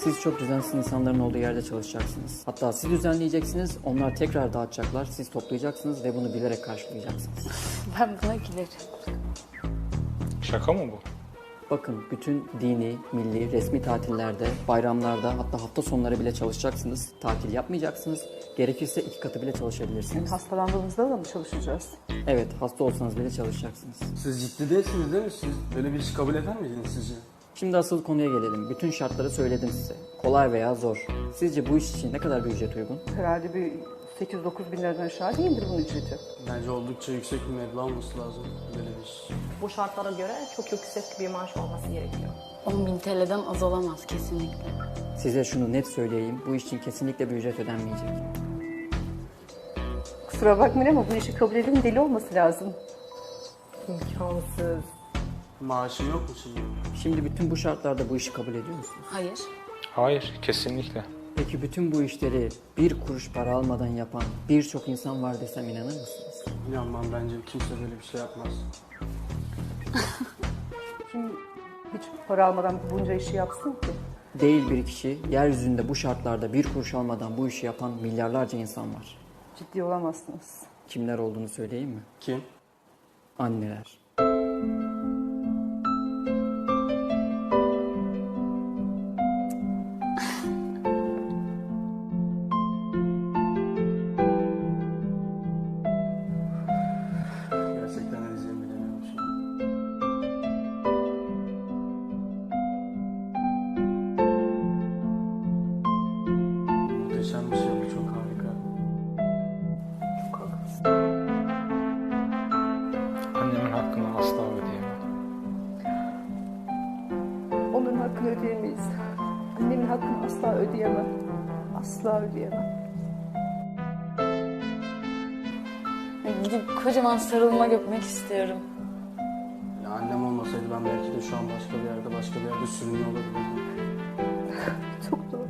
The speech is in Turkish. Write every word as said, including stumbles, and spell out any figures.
Siz çok düzensiz insanların olduğu yerde çalışacaksınız. Hatta siz düzenleyeceksiniz, onlar tekrar dağıtacaklar, siz toplayacaksınız ve bunu bilerek karşılayacaksınız. Ben buna gülerim. Şaka mı bu? Bakın bütün dini, milli, resmi tatillerde, bayramlarda hatta hafta sonları bile çalışacaksınız. Tatil yapmayacaksınız. Gerekirse iki katı bile çalışabilirsiniz. Hastalandığımızda da mı çalışacağız? Evet, hasta olsanız bile çalışacaksınız. Siz ciddi değilsiniz değil mi? Siz böyle bir işi kabul eder miydiniz sizce? Şimdi asıl konuya gelelim. Bütün şartları söyledim size. Kolay veya zor. Sizce bu iş için ne kadar bir ücret uygun? Herhalde bir sekiz dokuz bin liradan aşağı değildir bunun ücreti. Bence oldukça yüksek bir meblağ olması lazım böyle bir iş. Bu şartlara göre çok yüksek bir maaş olması gerekiyor. on bin T L'den az olamaz kesinlikle. Size şunu net söyleyeyim. Bu iş için kesinlikle bir ücret ödenmeyecek. Kusura bakmayın ama bu işi kabul edenin deli olması lazım. İmkansız. Maaşım yok mu şimdi? Şimdi bütün bu şartlarda bu işi kabul ediyor musunuz? Hayır. Hayır, kesinlikle. Peki bütün bu işleri bir kuruş para almadan yapan birçok insan var desem inanır mısınız? İnanmam, bence kimse böyle bir şey yapmaz. Kim hiç para almadan bunca işi yapsın ki? Değil bir kişi, yeryüzünde bu şartlarda bir kuruş almadan bu işi yapan milyarlarca insan var. Ciddi olamazsınız. Kimler olduğunu söyleyeyim mi? Kim? Anneler. Gerçekten ne diyeceğimi bilemiyorum şu an. Muhteşem bir şey bu, çok harika. Annemin hakkını asla ödeyemem. Onun hakkını ödeyemeyiz. Annemin hakkını asla ödeyemem. Asla ödeyemem. Gidip kocaman sarılmak öpmek istiyorum. Ya annem olmasaydı ben belki de şu an başka bir yerde, başka bir yerde sürünüyor olabilirdim. Çok doğru.